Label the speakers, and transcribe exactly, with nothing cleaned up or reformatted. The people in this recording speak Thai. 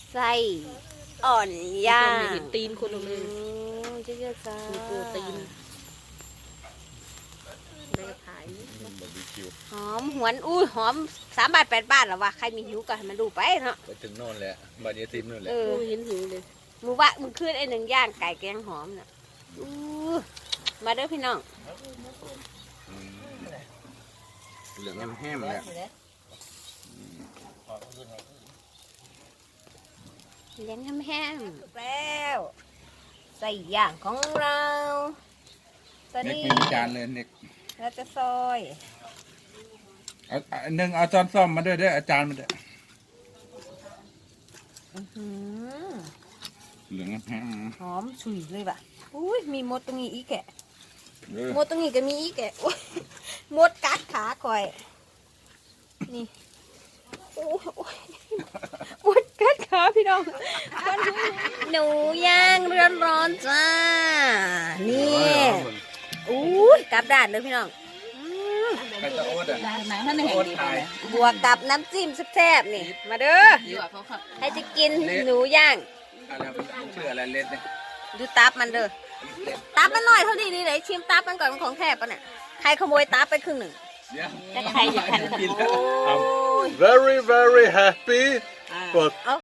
Speaker 1: ไส้อ่อนย่าง
Speaker 2: เห็นตีนคนเลย
Speaker 1: เยอะๆจ้า
Speaker 2: มีโปรตีนได้ขาย
Speaker 3: บาร์บีคิว
Speaker 1: หอมหวนอุ้ยหอมสามบาทแปดบาทหรอวะใครมีหิวก็ให้มันดูไปเนาะ
Speaker 3: ไปถึงโน่นแหละบาร์เยติมนู่นแหละ
Speaker 1: เออ
Speaker 2: โอ้เห็นหิวเลย
Speaker 1: มือว่ามือขึ้นไอ้หนึ่งย่างไก่แกงหอมน่ะอู้มาเด้อพี่น้อง
Speaker 3: เหลืองแห้มๆเลย
Speaker 1: เลี้ยงแห้งๆแล้วใส่ย่างของเราตอน
Speaker 3: เน็ก
Speaker 1: นี้
Speaker 3: ไม่มีจานเลยเน็ก
Speaker 1: เราจะซอย
Speaker 3: เอาอันหนึ่งเอาจานซ่อมมาด้วยเด้ออาจารย์มาด้วย
Speaker 1: อื้อหือ
Speaker 3: เหลืองแห้ม
Speaker 1: หอมฉุยเลยว่ะอุ้ยมีมดตรงนี้อีกแกะ
Speaker 3: ๆเออ
Speaker 1: มดตรงนี้ก็มีอีกแกะอุ๊ยมดกัดขาคอยนี่โอ้ยโอ้ยมดกัดขาพี่น้องหนูย่างร้อนร้อนๆจ้านี่อุ้ยกลับด้านเลยพี่น้องอืม
Speaker 3: ใครจะโอ๊ตอ่ะ
Speaker 2: ไหนท่านเห็น
Speaker 3: โอ๊ต
Speaker 2: ดี
Speaker 3: ถ่าย
Speaker 1: บวกกับน้ำจิ้มแซ่บๆนี่มาเด้อ
Speaker 2: ดีกว่าเขาขับ
Speaker 1: ให้จะกินหนูย่าง
Speaker 3: อะไรมันชื่ออะไรเล็ดเนี่ย
Speaker 1: ดูตับมันเด้อตับมันหน่อยเท่านี้นี่ไหนชิมตับมันก่อนมันของแท้ปะเนี่ยใครขโมยตับไปครึ่งหนึ่ง
Speaker 3: เดี๋ยว
Speaker 1: แต่ใครอยากทาน
Speaker 3: กินแล้ว
Speaker 1: โอ้ย
Speaker 4: Very, very happy, but